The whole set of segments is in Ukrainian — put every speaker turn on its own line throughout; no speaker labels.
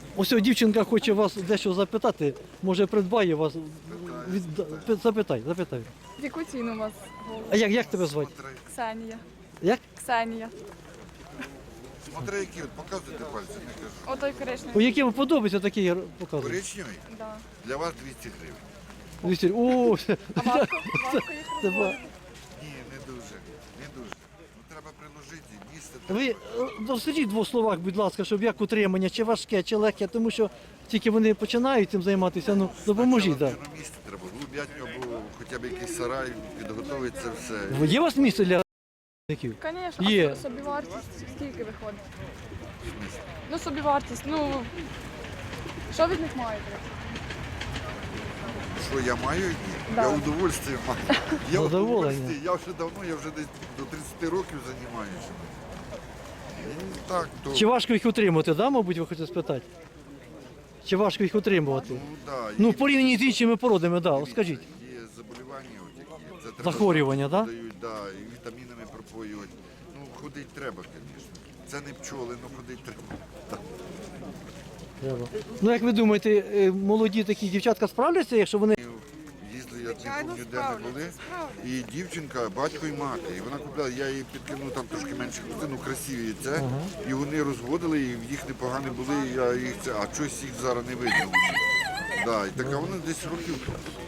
Ось дівчинка хоче вас дещо запитати, може придбає вас. Запитай.
В яку ціну у вас голуб?
А як тебе звати?
Ксенія.
Як?
Ксенія.
Смотри, які, от показуйте пальцем, не кажу.
Отой коричневий.
По яким подобається такий показує?
Коричневий?
Да.
Для вас 200 гривень.
О,
А ватку їх
це
розводити?
Ні, не дуже. Ну, треба приложити, місце.
ви розкажіть в двох словах, будь ласка, щоб як утримання, чи важке, чи легке, тому що тільки вони починають цим займатися, ну допоможіть.
На
Да.
місце треба, голуб'ятню або хоча б якийсь сарай, підготовити це все.
Є у вас місце для таких?
Звісно,
Є.
а собівартість скільки виходить? Ну, собівартість, ну, що від них маєте?
Що я маю? Ні.
Да.
Я удовольствие маю. Я
Задоволення.
удовольствие. Я вже давно, я вже десь до 30 років займаюся. І так, то...
Чи важко їх утримувати, да, мабуть, ви хочете спитати? Чи важко їх утримувати?
Ну, да,
Ну, в порівнянні з іншими породами, да, скажіть.
Є заболівання, от які. Це треба
Захворювання, да?
дають, да, і вітамінами пропоюють. Ну, ходити треба, звісно. Це не пчоли, але ходити треба.
Треба. Ну, як ви думаєте, молоді такі дівчатка справляться, якщо вони...
Їздили, я не пам'ятаю, де ми були. І дівчинка, батько і мати. І вона купляла, я їй підкинув там трошки менше, ну красиві це. І вони розводили, і в їх непогані були, і я їх це, а щось їх зараз не видно. Да, і така вона десь років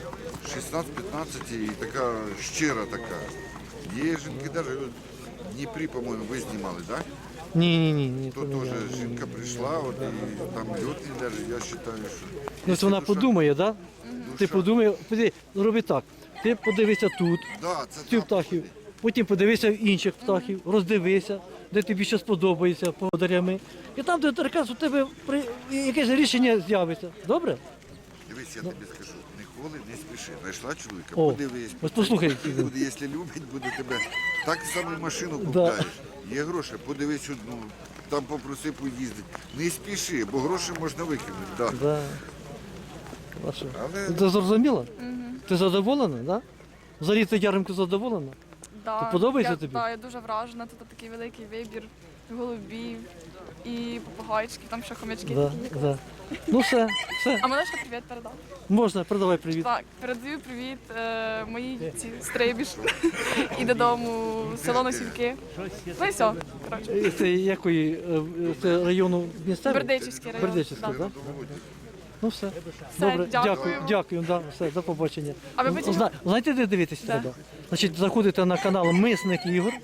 16-15 і така щира така. Є жінки навіть в Дніпрі, по-моєму, ви знімали, так?
Ні.
То теж жінка прийшла, от, і там льотні навіть, я вважаю, що...
Ну, це вона подумає, так? Да? Ти подумай, роби так. Ти подивися тут,
Да, це
цих
там.
птахів, потім подивися в інших птахів, роздивися, де тобі ще сподобається подарями. І там, де якраз у тебе якесь рішення з'явиться. Добре?
Дивись, я тобі скажу, ніколи не спіши. Знайшла чоловіка,
О,
подивись.
ось послухай, який він.
Буде, якщо любить, буде тебе. Так само і машину купляєш. Є гроші, подивись одну, там попроси поїздити. Не спіши, бо гроші можна викинути. Да.
Да. Хорошо.
Але
Ти зрозуміла? Ти задоволена, так? Да? Взагалі ти ярмарку задоволена?
Да,
То подобається тобі?
Так, я дуже вражена. Тут такий великий вибір голубів і попугайчиків, там ще хомячки
Да,
такі.
да. Ну все.
А мене ще привіт передав.
Можна, передавай привіт.
Так, передаю привіт моїй стрибіж і додому в село Носівки. Ну і все. Коротше.
Це якої це району місцевий?
Бердичівський район.
Бердичівський,
Да.
так? Ну все. Добре,
дякую.
дякую, да, все, до побачення.
А ви потім-
Знаєте, де дивитися
Де?
треба? Значить, заходите на канал Мисник Ігор.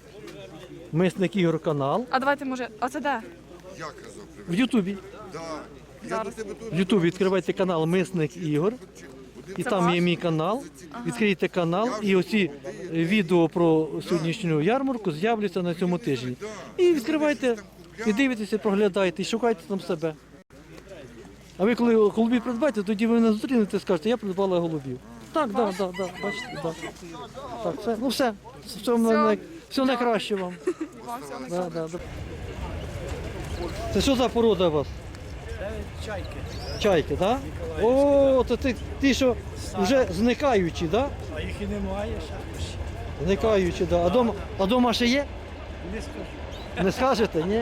Мисник Ігор канал.
А давайте, може, а це де?
я казав
В
привіт.
Ютубі.
Да. Я
Зараз.
до тебе теж
В Ютубі відкривайте канал Мисник Ігор. І
Це
там
ваш?
є мій канал. Відкрийте канал, і оці відео про сьогоднішню ярмарку з'являться на цьому тижні. І відкривайте, і дивитеся, проглядайте, і шукайте там себе. А ви коли голубів придбаєте, тоді ви мене зустрінете і скажете, я придбала голубів. Так, бачите, Так, все, ну все. Все найкраще вам.
Вам всього
Да. Це що за порода у вас?
Чайки.
Чайки, так? Да? О, то ті, що вже зникаючі, так? Да?
А їх і немає ще.
Зникаючі, так. Да. А дома ще є?
Не скажу.
Не скажете, ні?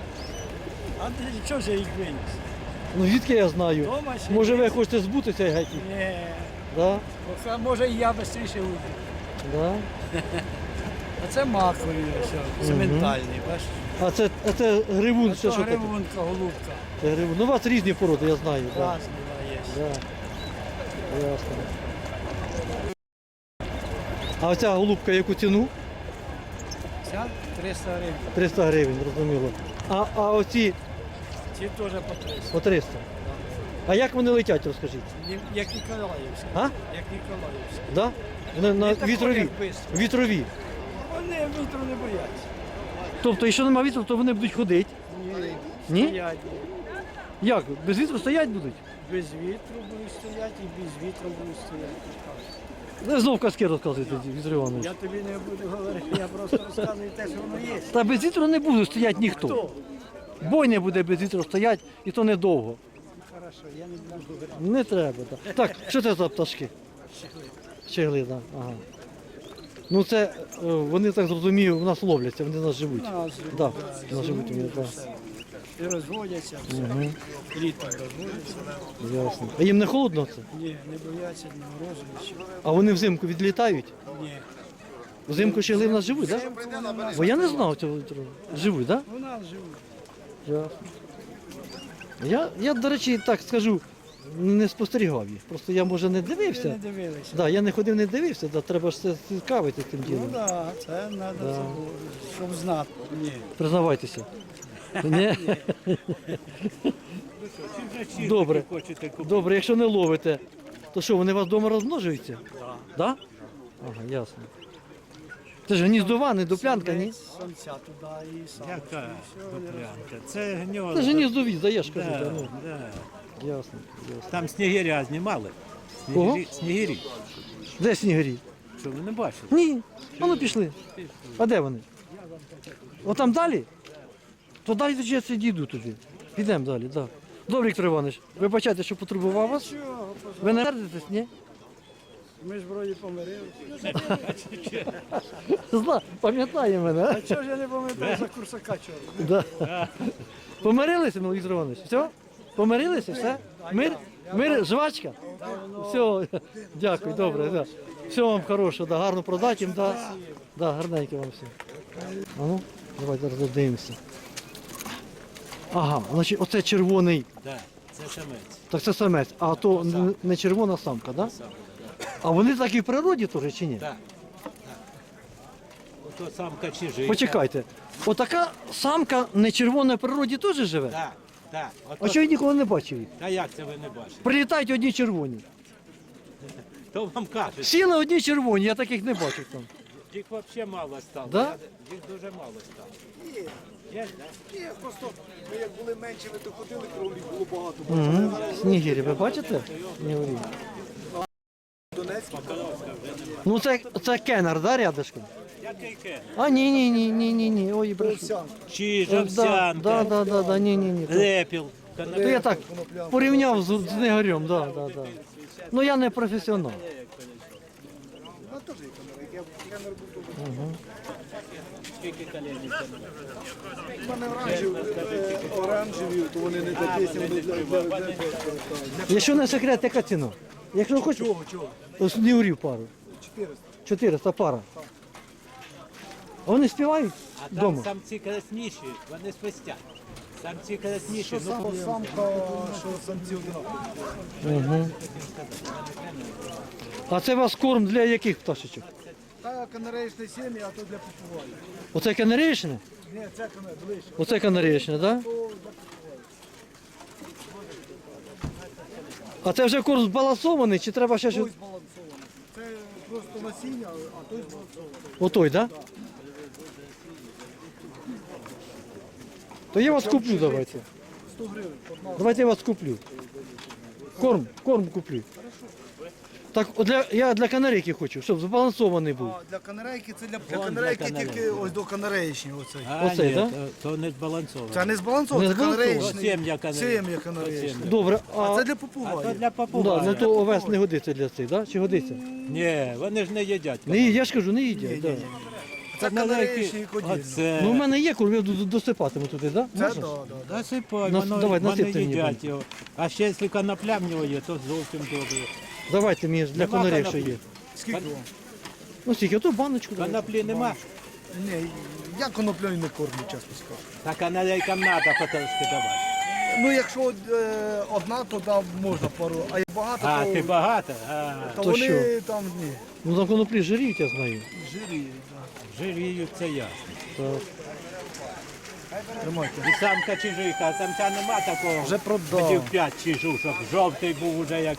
А ти що ж я їх виніс?
Ну звідки я знаю?
Дома ще
Може ви
є.
хочете збутися геть?
Ні.
Да?
А може і я швидше уйду.
Да?
А це макові, ось, цементальний, бачиш?
А це гривун,
А
це
то
що таке?
гривунка, голубка.
Це гривун. Ну у вас різні породи, я знаю. Да.
Разна є.
Да. Ясно. А оця голубка яку ціну?
Ця 300 гривень.
300 гривень, зрозуміло. А оці
Ці теж по 300.
по 300. А як вони летять, розкажіть?
Як Ніколаївські.
А?
Як Ніколаївські.
Да? Вони на
Не такі,
вітрові.
як бистро.
Вітрові.
Вони вітру не бояться.
Тобто, якщо немає вітру, то вони будуть ходити. Ні?
Стоять.
Як? Без вітру стоять будуть?
Без вітру будуть стояти і без вітру будуть стояти.
Ви знов казки розказуєте, Віктор Іванович.
Я тобі не буду говорити, я просто розказую те, що воно є.
Та без вітру не буде стояти ніхто.
Хто?
Бойня буде без вітру стояти, і то недовго.
Хорошо, я не буду говорити.
Не треба. Так, так що це за пташки? Щегли, так. Ага. Ну це, вони так зрозумію, в нас ловляться, вони в нас живуть.
Нас
Так, в нас живуть. Так.
І розводяться, все. Літом розводяться.
Ясно. А їм не холодно це?
Ні, не бояться ні морозу, нічого.
А вони взимку відлітають?
Ні.
Взимку ще в нас живуть, так? Да? Бо я не знав цього. Живуть, так?
У нас живуть.
Да? Ясно. Я, до речі, так скажу, не спостерігав їх. Просто я, може, не
Ви
дивився.
не дивилися.
Да, я не ходив, не дивився, да, треба ж це цікавитися цим
Ну
ділом.
так, це треба, щоб знати. Ні.
Признавайтеся. Ні? Добре. Добре, якщо не ловите, то що, вони у вас вдома розмножуються? Так. Да? Ага, ясно. Це ж гніздова, не дуплянка, ні?
Самця туди і сам.
Яка дуплянка? Це гніздо.
Це ж гніздові, да, я ж кажу.
Да,
Да, ну.
да.
Ясно, ясно.
Там снігиря знімали.
Кого?
Снігирі.
Де снігирі?
Що ви не бачили?
Ні. А ну пішли. А де вони? Отам далі? То далі я це дійду туди. Підемо далі, так. Да. Добре, Віктор Іванович, вибачайте, що потребував вас.
Чого?
Ви не сердитесь, ні?
Ми ж вроді помирилися.
Пам'ятає мене.
А чого ж я не пам'ятаю за курсака чорного?
Да. Помирилися, ну, Віктор Іванович? Все? Помирилися, все? Мир, жвачка? Все, дякую, добре. Да. Всього вам хорошого, да, гарно продати їм, да. Да, гарненько вам все. А ну, давайте зараз дивимося. Ага, значить, оце червоний,
Да, це самець.
так це самець, а то не червона самка, так? Да? А вони такі в природі теж чи ні?
Так. Ото самка чижика.
Почекайте, отака самка не червона в природі теж живе?
Так, так.
А чого я ніколи не бачив їх?
Та як це ви не бачите?
Прилітають одні червоні.
То вам кажуть.
Сіли одні червоні, я таких не бачив там.
Їх взагалі мало стало.
Да?
Їх дуже мало стало. Є, да?
Ні, просто ми як були меншими, то ходили, кролів було багато.
Угу. Снігирі, ви бачите? Снігирі. Ну це кенер, да, рядышком?
Який кен?
А ні. Ой, брешу.
Чиж,
Да,
овсянка,
да, ні.
репіл.
То я так порівняв з Нигарем, да. Ну я не професіонал.
Оранжеві, то вони не такі, вони для...
Якщо не секрет, яка ціна? Якщо хочеш, то снігурів пару. 400 пара. А вони співають
А там
вдома?
самці красніші, вони свистять. Самці красніші, ну,
Самка, що самці однакові.
Угу. А це у вас корм для яких пташечок?
Та канареїчне сім'я, а то для попугаю.
Оце канарейшне?
Ні, це канарейчне, ближче.
Оце канарейшне, так? Да? А це вже корм збалансований, чи треба ще щось?
Той збалансований. Це просто насіння, а той збалансований.
Отой, так? Да? То я вас куплю, давайте.
100 гривень. одна.
Давайте я вас куплю. Корм куплю. Так, я для канарейки хочу, щоб збалансований був.
А для канарейки це для
Вон
канарейки
для
тільки ось до канареїчні оцей.
А,
Оцей,
ні,
да?
то не збалансовано.
Це не збалансований,
Не
це
збалансований?
канареїчний.
Сім'я канареїчна.
Сім'я канареїчний.
Добре,
А це для
А то
попугаю.
для попугая.
да, ну то овес не годиться для цих, да? Чи годиться?
Ні, вони ж не їдять.
Не їдять, я ж кажу, не їдять. Да.
Це канареїчний і кодільний.
Оце.
Ну, в мене є корм, я досипатиму туди, так? Да?
Це
Можна?
да.
Насипай,
Нас- давай,
вони
насипте мені,
їдять його. А ще якщо конопля в нього є, то зовсім добре.
Давайте мені для
Нема
конарей, що
коноплі?
є.
Скільки вам?
Ну, скільки, ото баночку. давай.
Коноплі нема,
Ні, я коноплею не кормлю, чесно скажу.
та канарейкам треба потрошки давати.
Ну, якщо одна, то да, можна пару, а як багато,
А,
то,
ти багато? А,
то
То
вони
що?
там ні,
Ну, на коноплі жиріють, я знаю.
жирі.
жиріють, це ясно.
Так.
Тримайте.
І самка чижиха, а самця нема такого.
Вже продав.
Хотів 5 чижу, щоб жовтий був уже як.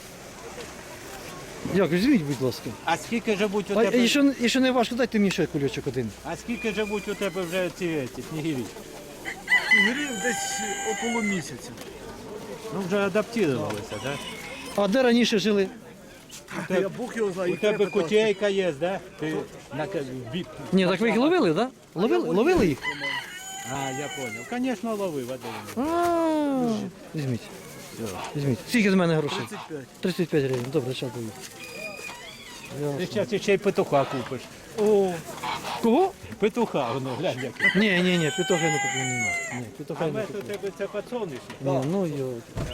Дякую, візьміть, будь ласка.
А скільки живуть у
А
тебе?
якщо не важко, дайте мені ще кульочок один.
А скільки живуть у тебе вже ці снігирі?
Грів десь около місяця.
Ну вже адаптувалися, так?
А де раніше жили?
Я Бог його знає.
У тебе кутейка є, да? Ти на
Ні, так ви їх ловили, так? Да? Ловили їх?
А, я понял. Конечно, ловив один.
А, візьміть. Візьміть. Скільки з мене грошей?
35.
35 гривень. Добре, зараз даю.
Ти зараз ще й петуха купиш.
О, кого?
Петуха, воно, глянь, як.
Ні, петуха не куплю. Ні, петуха
А
не
ми
куплю.
у тебе це пацони.
Ні, ну йо.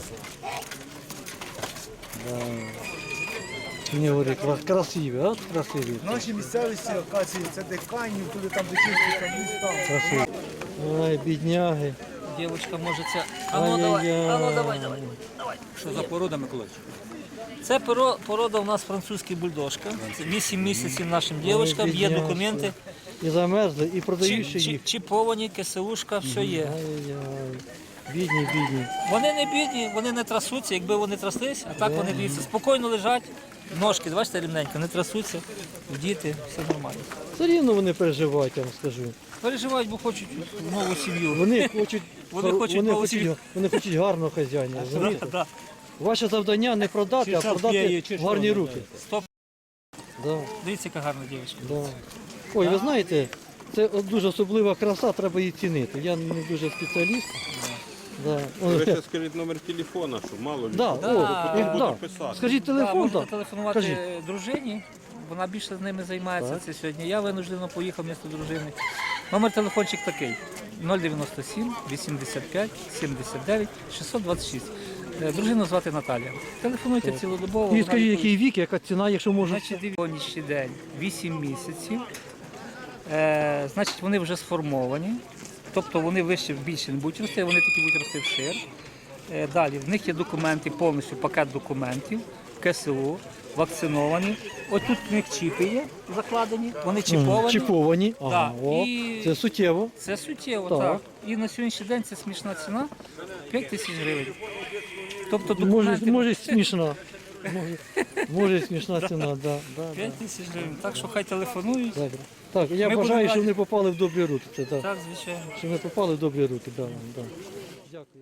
Да. Не говори, красиві, от красиві.
В нашій місцевості, оказується, це де Канів, туди там де чисті там міста.
Красиві. Ай, бідняги.
Дівчинка може це. А ну давай, а ну давай.
Що за порода, Миколаївич?
Це порода у нас французький бульдожка. Це 8 місяців нашим дівчинкам, є
бідняшки.
документи.
І замерзли, і продають ще їх.
Чіповані, КСУшка, все є.
Ай-яй. Бідні.
Вони не бідні, вони не трасуться, якби вони тряслись, а так вони дивіться, спокійно лежать, ножки, бачите, рівненько, не трасуться, діти, все нормально.
Все рівно вони переживають, я вам скажу.
Переживають, бо хочуть нову сім'ю.
Вони хочуть,
Вони хочуть получити.
вони хочуть гарного хазяїна, розумієте?
Да.
Ваше завдання не продати, а продати в гарні руки.
Стоп.
Да,
Дивіться, яка гарна дівчинка.
да. Ой, ви знаєте, це дуже особлива краса, треба її цінити. Я не дуже спеціаліст. Да.
Ви ще скажіть номер телефона, щоб мало людей.
Да,
Да.
да.
писати.
Скажіть
Да,
телефон,
можете
так.
телефонувати
Кажіть.
дружині, вона більше з ними займається
Так.
це сьогодні. Я винуждено поїхав місто дружини. Номер телефончик такий: 097 85 79 626. Дружину звати Наталія. Телефонуйте цілодобово.
І
вона
скажіть,
відповість.
який вік, яка ціна, якщо можна.
Значить, дивіться, сьогоднішній день 8 місяців. Значить, вони вже сформовані. Тобто вони вище більше не будуть рости, вони такі будуть рости вшир. Далі, в них є документи, повністю пакет документів, КСУ, вакциновані. Ось тут в них чіпи є закладені, вони чіповані.
Чіповані.
Да.
Ага, о,
І-
це суттєво.
Це суттєво,
Так.
так. І на сьогоднішній день це смішна ціна 5 тисяч гривень. Тобто
Може,
документи
може смішна. Може смішна ціна, да.
5 тисяч гривень. Так що хай телефонують.
Добре. Так, я
Ми
бажаю,
будемо
щоб
раді.
вони попали в добрі руки. Це, так.
Так, звичайно.
Щоб вони попали в добрі руки. Да. Дякую.